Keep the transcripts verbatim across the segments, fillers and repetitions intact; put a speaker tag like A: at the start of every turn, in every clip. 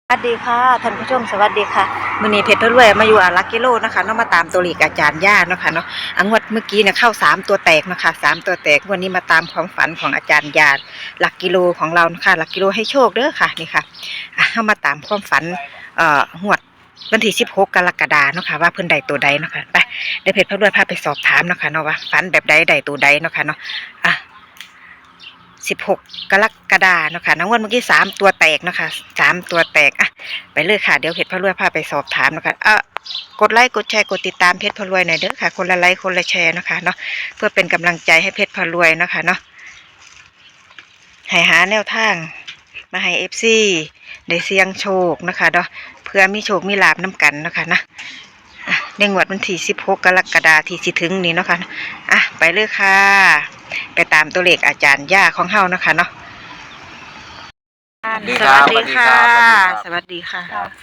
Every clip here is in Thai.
A: สวัสดีค่ะท่านผู้ชมสวัสดีค่ะมื้อนี้เพชรพะรวยมาอยู่อารักกิโลนะคะเนาะมาตามตัวเลขอาจารย์ย่าเนาะค่ะเนาะอังวดเมื่อกี้เนี่ยเข้าสามตัวแตกนะคะสามตัวแตกวันนี้มาตามความฝันของอาจารย์ย่าหลักกิโลของเรานะคะหลักกิโลให้โชคเด้อค่ะนี่ค่ะอ่ะเฮามาตามความฝันเอ่องวดวันที่สิบหกกรกฎาคมเนาะค่ะว่าเพิ่นใดตัวใดเนาะค่ะไปเดี๋ยวเพชรพะรวยพาไปสอบถามเนาะค่ะเนาะว่าฝันแบบใดใดตัวใดเนาะค่ะเนาะอ่ะสิบหกกรกฎาคมเนาะค่ะน้องวันเมื่อกี้สามตัวแตกเนาะค่ะสามตัวแตกอ่ะไปเลยค่ะเดี๋ยวเพชรพะรวยพาไปสอบถามเนาะค่ะเอ่อกดไลค์กดแชร์กดติดตามเพชรพะรวยหน่อยเด้อค่ะคนละไลค์คนละแชร์เนาะค่ะเนาะเพื่อเป็นกำลังใจให้เพชรพะรวยเนาะค่ะเนาะให้หาแนวทางมาให้เอฟซีได้เสี่ยงโชคนะคะเนาะเพื่อมีโชคมีลาภน้ำกันเนาะค่ะนะในงวดวันที่สิบหกกรกฎาคมที่สิถึงนี้เนาะค่ะอ่ะไปเลยค่ะไปตามตัวเลขอาจารย์ย่าของเฮานะคะเนาะสวัสดีค่ะ สวัสดีค่ะ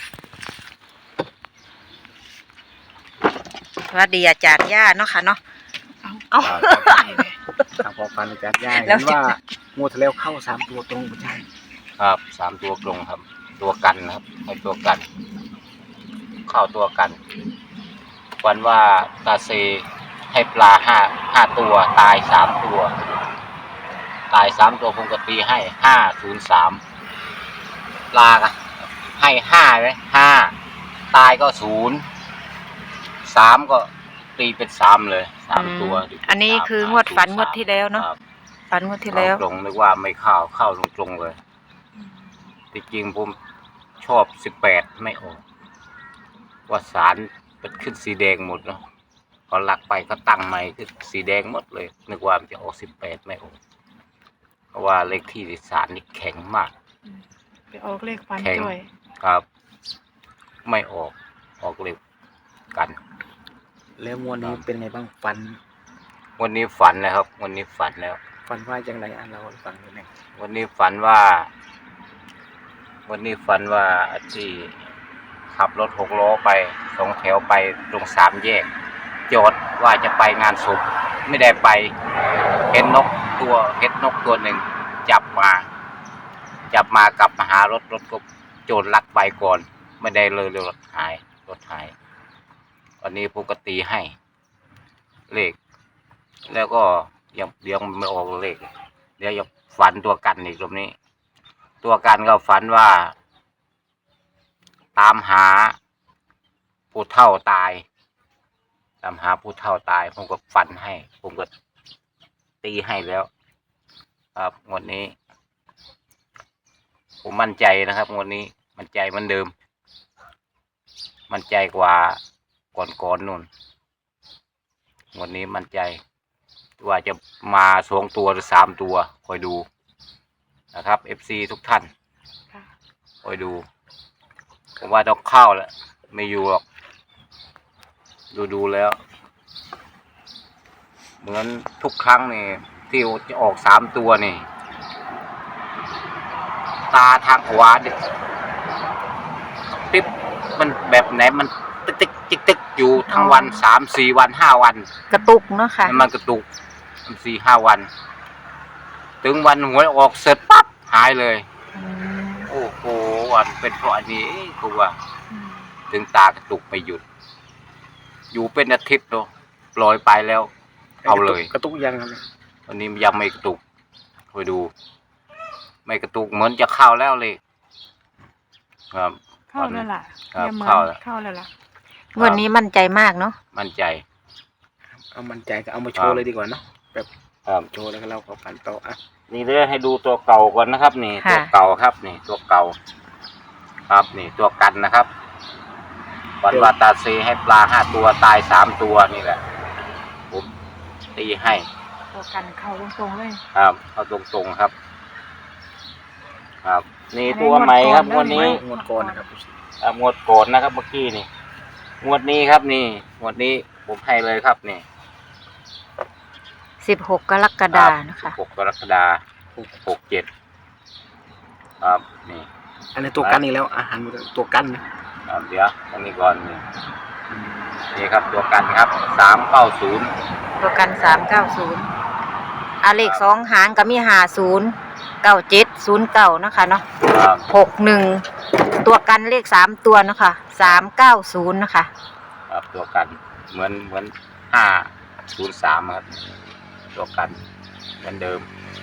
A: สวัสดีอาจารย์ย่าเนาะค่ะเนาะเอา
B: ทางพอฟันอาจารย์ย่า
A: แล้
B: เห็
A: วน
B: ว่างูทะเลเข้าสามตัวตรงใช่
C: ครับสามตัวตรงครับ ตัวกันนะครับให้ตัวกัน เข้าตัวกันวันว่าตาเซให้ปลาห้าห้าตัวตายสามตัว ตายสามตัวผมก็ตีให้ห้าศูนย์สามปลาให้ห้าเลยห้าตายก็ศูนย์สามก็ตีเป็นสามเลยสามตัว
A: อันนี้คืองวดฝันงวดที่แล้วเนาะฝันงวดที่แล้ว
C: ตรงนึกว่าไม่เข้าเข้าตรงๆเลยที่จริงผมชอบสิบแปดไม่ออกว่าสารเป็นขึ้นสีแดงหมดเนาะพอหลักไปก็ตั้งใหม่คือสีแดงหมดเลยนึกว่ามันจะออกสิบแปดไม่ออกเพราะว่าเลขที่สารนี่แข็งมาก
D: ไปออกเลขฟัน
C: แข็ง
D: ด้วย
C: ครับ ไม่ออกออกเลขกัน
B: แล้วงวดนี้เป็นไงบ้างฟัน
C: วันนี้ฝันแล้วครับ วันนี้ฝันแล้ว
B: ฟันว่าจังไรอ่ะเราฟังดูหน่อย
C: วันนี้ฝันว่า วันนี้ฝันว่าที่ขับรถหกล้อไปสองแถวไปตรงสามแยกจอดว่าจะไปงานศพไม่ได้ไปเห็นนกตัวเห็นนกตัวหนึ่งจับมา จับมากลับมาหารถรถก็โจรลักไปก่อนไม่ได้เลยรถหายรถหายวันนี้ปกติให้เลขแล้วก็ยังเดี๋ยวไม่ออกเลขเดี๋ยวจะฝันตัวกันอีกตรงนี้ ตัวกันก็ฝันว่า ตามหาผู้เฒ่าตายตามหาผู้เฒ่าตายผมก็ฝันให้ ผมก็ตีให้แล้ว ครับงวดนี้ ผมมั่นใจนะครับงวดนี้มั่นใจเหมือนเดิม มั่นใจกว่าก่อนๆนู่นงวดนี้มั่นใจว่าจะมาสองตัวหรือสามตัวคอยดูนะครับ เอฟ ซี ทุกท่านคอยดูผมว่าต้องเข้าแล้วไม่อยู่หรอกดูดูแล้ว เหมือนทุกครั้งนี่ที่จะออกสามตัวนี่ตาทางขวาดิปิ๊บมันแบบไหนมันตึกตึกตึกตึกอยู่ทั้งวันสามสี่วันห้าวัน
A: กระตุกเนาะค่ะ
C: มันกระตุกสี่ห้าวัน ถึงวันหวยออกเสร็จปั๊บหายเลยโอ้โหวันเป็นเพราะอันนี้คือว่า ถึงตากระตุกไม่หยุด อยู่เป็นอาทิตย์เนาะปล่อยไปแล้ว เอาเลย
B: กระตุกยังครับ
C: วันนี้ยังไม่กระตุกคอยดู ไม่กระตุกเหมือนจะเข้าแล้วเลยครับ
D: เข้าแล้วล่ะ
C: ครับ
D: อย่าเหมือน
C: เข้าแล้ว
D: เข้าแล้วล่ะ
A: งวดนี้มั่นใจมากเนาะ
C: มั่นใจ
B: เอามันใจก็เอามาโชว์เลยดีกว่าเนาะแบบ
C: ครับ
B: โชว์แล้วก็เล่าขอฟันต่ออ่ะ
C: นี่เดี๋ยวให้ดูตัวเก่าก่อนนะครับ นี่ตัวเก่าครับ นี่ตัวเก่า ครับนี่ตัวกันนะครับวันวาตาเซให้ปลาห้าตัวตายสามตัวนี่แหละผมตีให้
D: ตัวกันเข้าตรงๆเลย
C: ครับเอาตรงๆครับ ครับ นี่ตัวใหม่ครับงวดนี้
B: งวดก่อนนะครับ
C: อ่างวดโกนนะครับเมื่อกี้นี่งวดนี้ครับนี่งวดนี้ผมให้เลยครับนี่
A: สิบหกกรกฎาคมนะคะ
C: หกกรกฎาคมหกเจ็ดครับนี่
B: อันนี้ตัวกันอีกแล้วอาหารตัวกันนะครับ
C: เดี๋ยวอันนี้ก่อนนี่นี่ครับตัวกันครับสามเก้าศูนย์
A: ตัวกันสามเก้าศูนย์อาเลขสองหางก็มีห้าศูนย์เก้าเจ็ดศูนย์เก้านะคะเนาะ
C: ครับ
A: หกหนึ่งตัวกันเลขสามตัวเนาะค่ะสามเก้าศูนย์นะคะ
C: ครับตัวกันเหมือนเหมือนห้าศูนย์สามครับตัวกันเหมือนเดิม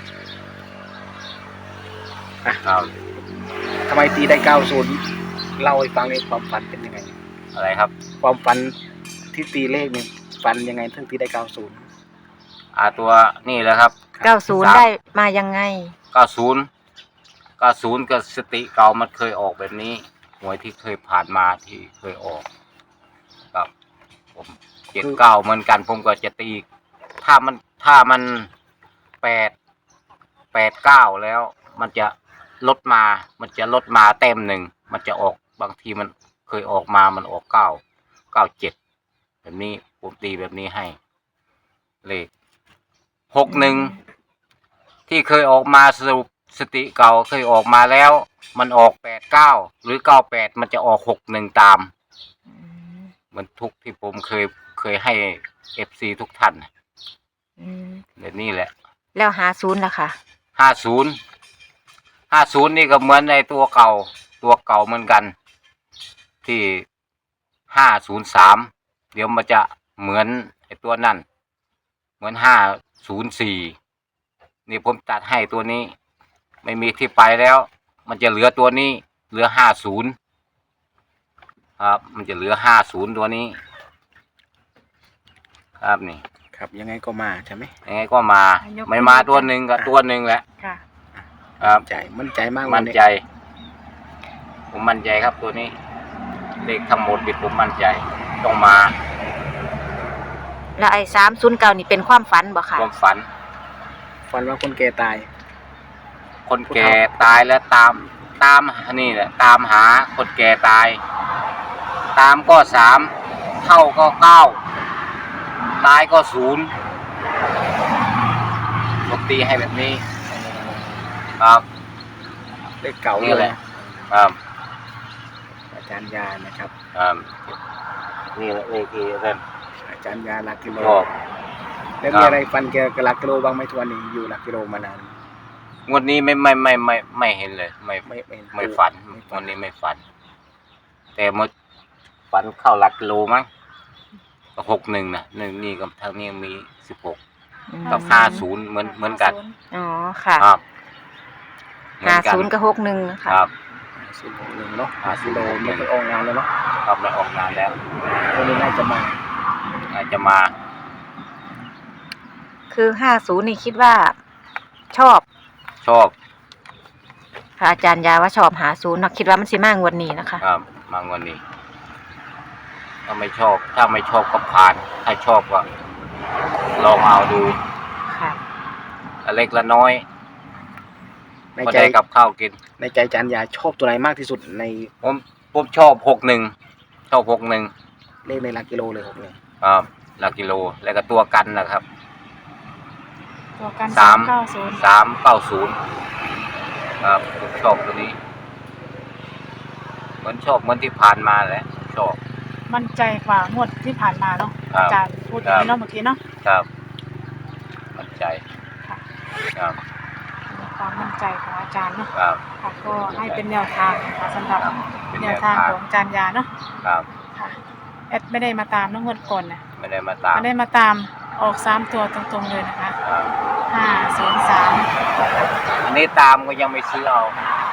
B: อ่ะ
C: ครับ
B: ทำไมตีได้เก้าศูนย์เล่าให้ฟังในความฝันเป็นยังไง
C: อะไรครับ
B: ความฝันที่ตีเลขเนี่ยฝันยังไงถึงตีได้เก้าศูนย์
C: อ่าตัวนี่แหละครับ
A: เก้าศูนย์
C: สาม
A: ได้มายังไง
C: เก้าศูนย์เก้าศูนย์กับสติเก่ามันเคยออกแบบนี้หวยที่เคยผ่านมาที่เคยออกครับผมเจ็ดเก้าเหมือนกันผมก็จะตีถ้ามันถ้ามันแปดแปดเก้าแล้ว มันจะลดมา มันจะลดมาเต็มหนึ่งมันจะออกบางทีมันเคยออกมามันออกเก้าเก้าเจ็ดแบบนี้ผมตีแบบนี้ให้เลขหกหนึ่งที่เคยออกมาสรุปสติเก่าเคยออกมาแล้ว มันออกแปดเก้าหรือเก้าแปดมันจะออกหกหนึ่งตามเหมือนทุกที่ผมเคยเคยให้เอฟซีทุกท่าน
A: อืม
C: แบบนี้แหละ
A: แล้วหาศูนย์ล่ะค่ะ
C: ห้าศูนย์ห้าศูนย์นี่ก็เหมือนในตัวเก่าตัวเก่าเหมือนกัน ที่ห้าศูนย์สามเดี๋ยวมันจะเหมือนไอ้ตัวนั่นเหมือนห้าศูนย์สี่นี่ผมตัดให้ตัวนี้ ไม่มีที่ไปแล้ว มันจะเหลือตัวนี้ เหลือห้าศูนย์ครับ มันจะเหลือห้าศูนย์ตัวนี้ ครับนี่
B: ครับยังไงก็มาใช่ไหม
C: ยังไงก็มา ไม่มาตัวหนึ่งกับตัวหนึ่งแหละ
D: ค่ะ
C: ครับ
B: ใจมั่นใจมาก
C: มั่นใจ ผมมั่นใจครับตัวนี้ เลขทั้งหมดที่ผมมั่นใจ ต้องมา
A: แล้วไอ้สามศูนย์เก้านี่เป็นความฝันบ่ค่ะ
C: ความฝัน
B: ฝันว่าคนแก่ตาย
C: คนแก่ตายแล้วตามตามนี่แหละตามหาคนแก่ตาย ตามก็สามเท่าก็เก้าตายก็ศูนย์ปกตีให้แบบนี้ ครับ
B: เลขเก่า
C: นี่แหละ
B: เลย
C: ครับ
B: อาจารย์ยานะครับ
C: ครับนี่แหละเลขที่เล่น
B: อาจารย์ยาหลักกิโล
C: ชอบ
B: แล้ว
C: ครั
B: มี
C: บ
B: อะไรฟันเกี่ยวกับหลักกิโลบ้างไหมทุกวันนี้อยู่หลักกิโลมานาน
C: งวดนี้ไม่ไม่ไม่ไม่ไม่เห็นเลย ไม่
B: ไม่ไม่
C: ไม่ฝันงวดนี้ไม่ฝัน แต่เมื่อฝันเข้าหลักกิโลมั้งหกหนึ่งนะหนึ่งนี่กับทางนี้มีสิบหก
A: อืม
C: กับห้าศูนย์เหมือนเหมือนกัน
A: อ๋อค่ะ
C: ครับเหมื
A: หา
C: อนกั
A: ศูนย์กับหกหนึ่งนะคะ
C: ครับ
B: สิบหกหนึ่งเนาะหากิโลไม่เคยออกงานเลยเนาะ
C: ครับไม่ออกนานแล้ว
B: วันนี้น่าจะมา
C: อาจจะมา
A: คือห้าศูนย์นี่คิดว่า ชอบ
C: ชอบ
A: ค่ะอาจารย์ยาว่าชอบหาศูนย์เนาะคิดว่ามันสิมางวดนี้นะคะ
C: ครับมางวันนี้ ถ้าไม่ชอบ ถ้าไม่ชอบก็ผ่าน ถ้าชอบก็ลองเอาดู
A: ค่ะ
C: อันเล็กละน้อย
B: ใน
C: พอ
B: ใจ
C: ได้กับข้าวกิน
B: ในใจอาจารย์ยาชอบตัวไหนมากที่สุดใน
C: ผมผมชอบหกหนึ่งชอบหกหนึ่ง
B: เลขในหลักกิโลเลยหกหนึ่ง
C: ครับหลักกิโลแล้วก็ตัวกันนะครับ
D: ตัวกัน
C: สาม
D: เก้าศูนย์
C: สามเก้าศูนย์ครับผมชอบตัวนี้ เหมือนชอบเหมือนที่ผ่านมาแหละชอบ
D: มั่นใจกว่างวดที่ผ่านมาเนาะ
C: ครับ
D: อาจารย์พูดอย่างนี้เนาะเมื่อกี้เนาะ
C: ครับ มั่นใจ
D: ค่ะ
C: ครับ
D: มีความมั่นใจของอาจารย์เนาะ
C: ครับ
D: ค่ะก็ให้เป็นแนวทางนะคะสำหรับ
C: ครับเป็น
D: แน
C: แน
D: ว
C: ว
D: ทาง
C: ทาง
D: ของอาจารย์ยาเนาะ
C: ครับ
D: ค่ะแอดไม่ได้มาตามน้องงวดก่อนนะ
C: ไม่ได้มาตาม
D: ไม่ได้มาตามออกสามตัวตรงๆเลยนะคะ
C: ครับ
D: ห้าศูนย์สาม
C: อันนี้ตามก็ยังไม่ซื้อเอา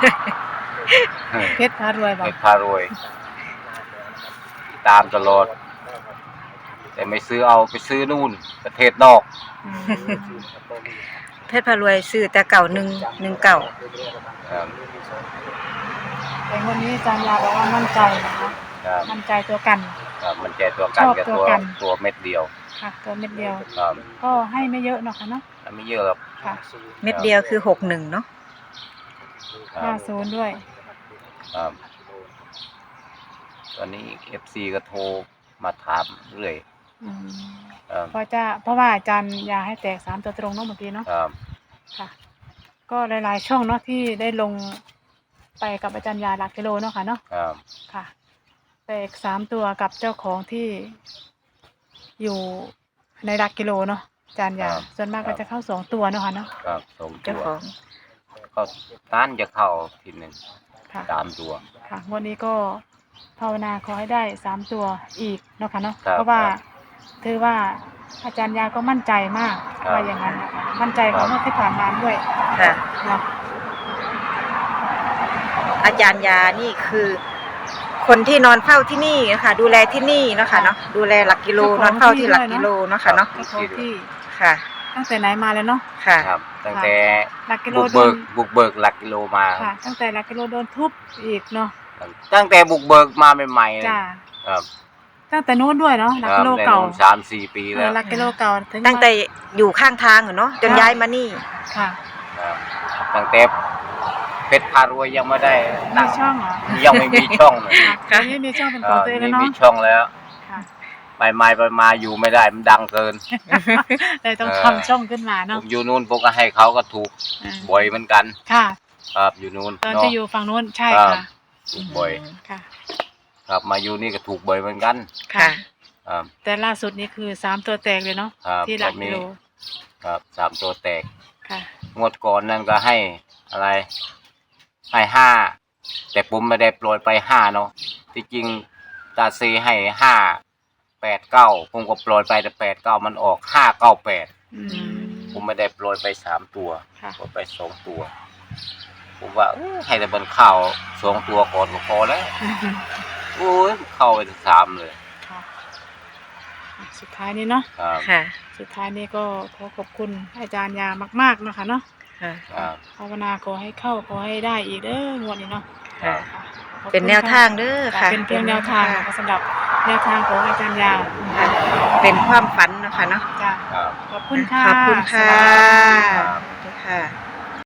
D: เพชรพารวยบอก
C: เม็ดพารวย ตามตลอด แต่ไม่ซื้อเอาไปซื้อนู่น ประเทศนอก
D: อืม
A: เพชรพารวยซื้อแต่เก่าหนึ่งหนึ่งเก่า
C: ครับ
D: แต่วันนี้อาจารย์ยาบอกว่ามั่นใจนะคะ
C: ครับ
D: มั่นใจตัวกัน
C: ครับมันใจตัวกัน
D: ชอบ
C: กับ
D: ตัว
C: ตัว
D: กัน
C: ตัวเม็ดเดียว
D: ค่ะ ตัวเม็ดเดียว
C: ครับ
D: ก็ให้ไม่เยอะเนาะค่ะเนาะ
C: แล้วไม่เยอะหรอก
D: ค่ะ
A: เม็ดเดียวคือหกหนึ่งเนาะ
C: ครั
D: ห้า
C: บ
D: ศูนย์ด้วย
C: ครับตอนนี้เอฟซีก็โทรมาถามเรื่อย
D: อืม
C: ครับ
D: เพราะจะเพราะว่าอาจารย์ยาให้แตกสามตัวตรงเนาะเมื่อกี้เนาะ
C: ครับ
D: ค่ะ ก็หลายๆช่องเนาะที่ได้ลงไปกับอาจารย์ยาหลักกิโลเนาะค่ะเนาะ
C: ครับ
D: ค่ะ แตกสามตัวกับเจ้าของที่อยู่ในหลักกิโลเนาะอาจารย์ยาส่วนมากก็จะเข้าสองตัวเนาะค่ะเนาะ
C: ครับสองตั
A: เจ้าว ของ
C: เขาต้านจะเข้าทีหนึ่ง
D: ค่ะ
C: สามตัว
D: ค่ะงวันนี้ก็ภาวนาขอให้ได้สามตัวอีกเนาะค่ะเนาะ
C: ครับ
D: เพราะว่า
C: ครับ
D: ถือว่าอาจารย์ยาก็มั่นใจมาก
C: ครับ
D: ว่าอย่างนั้นนะคะมั่นใจของ
C: ครับ
D: เมื่อที่ผ่านมาด้วย
A: ค่ะ
D: เนาะ
A: อาจารย์ยานี่คือ คนที่นอนเฝ้าที่นี่นะคะดูแลที่นี่เนาะค่ะเนาะดูแลหลักกิโลนอนเฝ้าที่หลักกิโลเนาะค่ะเนาะ
D: เจ้าของที่
A: ค่ะ
D: ตั้งแต่ไหนมาเลยเนาะ
A: ค่ะ
C: ครับ ตั้งแต่
D: หลักกิโล
C: บุก
D: โด
C: เบิ
D: น
C: กบุกเบิกหลักกิโลมา
D: ค่ะ ตั้งแต่หลักกิโลโดนทุบอีกเนาะ
C: ตั้งแต่บุกเบิกมาใหม่ๆเลย
D: จ้า
C: ครับ
D: ตั้งแต่นู้นด้วยเนาะหลัก
C: ครับ
D: กิโล
C: ใน
D: เก่า
C: นู้นสามสี่ปี
D: เอ
C: แล้
D: อ
C: ว
D: หลักกิโลเก่าถึง
A: ตั้งแต่อยู่ข้างทางอะเนาะจนย้ายมานี่
D: ค่ะ
C: ครับตั้งแต่เพชรพารวยยังไม่ได้
D: มี
C: ตั้ง
D: ช่องเหรอ
C: ยังไม่มีช่องเลย
D: ค่ะตอนนี้มีช่องเป็นของตัวเองแล้ว
C: นี่
D: เนาะ
C: มีช่องแล้ว
D: ค่ะ
C: ไปมาไปมาอยู่ไม่ได้มันดังเกิน
D: เลยต้อง
C: เออ
D: ทำช่องขึ้นมา
C: ผ
D: เนาะ
C: มอยู่นู่นพวกก็ให้เขาก็ถูก
D: อ่า
C: บ่อยเหมือนกัน
D: ค่ะ
C: ครับอยู่นู่น
D: ตอน
C: เนาะ
D: ที่อยู่ฝั่งนู้นใช่
C: ครับ
D: ค่ะ
C: ถูกบ่อย
D: ค่ะ
C: ครับมาอยู่นี่ก็ถูกบ่อยเหมือนกัน
A: ค่ะ
C: ครับ
D: แต่ล่าสุดนี้คือสามตัวแตกเลยเนาะ
C: ครับ
D: ที่หลักกิโล
C: ครับสามตัวแตก
D: ค่ะ
C: งวดก่อนนั่นก็ให้อะไร ให้ห้าแต่ผมไม่ได้โปรยไปห้าเนาะที่จริงตาซีให้ห้าแปดเก้าผมก็โปรยไปแต่แปดเก้ามันออกห้าเก้าแปด
D: อืม
C: ผมไม่ได้โปรยไปสามตัว
D: ค่ะ
C: โปรยไปสองตัว ผมว่าเอ้ยให้แต่บนข้าวสองตัวก่อนก็พอแล้วโอ้ยเข้าไปถึงสามเลย
D: ค่ะอ่ะสุดท้ายนี้เนาะ
C: ครับ
A: ค่ะ
D: สุดท้ายนี้ก็ขอขอบคุณอาจารย์ยามากๆเนาะคะเนาะ
A: ค่ะ
C: ครับ
D: ภาวนาขอให้เข้าขอให้ได้อีกเด้องวดนี้เนาะ
C: ครับ
D: ค่ะขอบคุณ
A: เป็นแนวทางเด้อ
D: ค่ะ
A: ค่ะ
D: เป็นเพียงแนวทางนะคะสำหรับแนวทางของอาจารย์ยา
A: ค่ะเป็นความฝันเนาะคะเนาะ
D: จ้ะ
C: ครับ
D: ขอบคุณค่ะ
A: ขอบคุณค่ะ
D: สวัสดีค่ะ
C: ครับ
A: สวัสดีค่ะ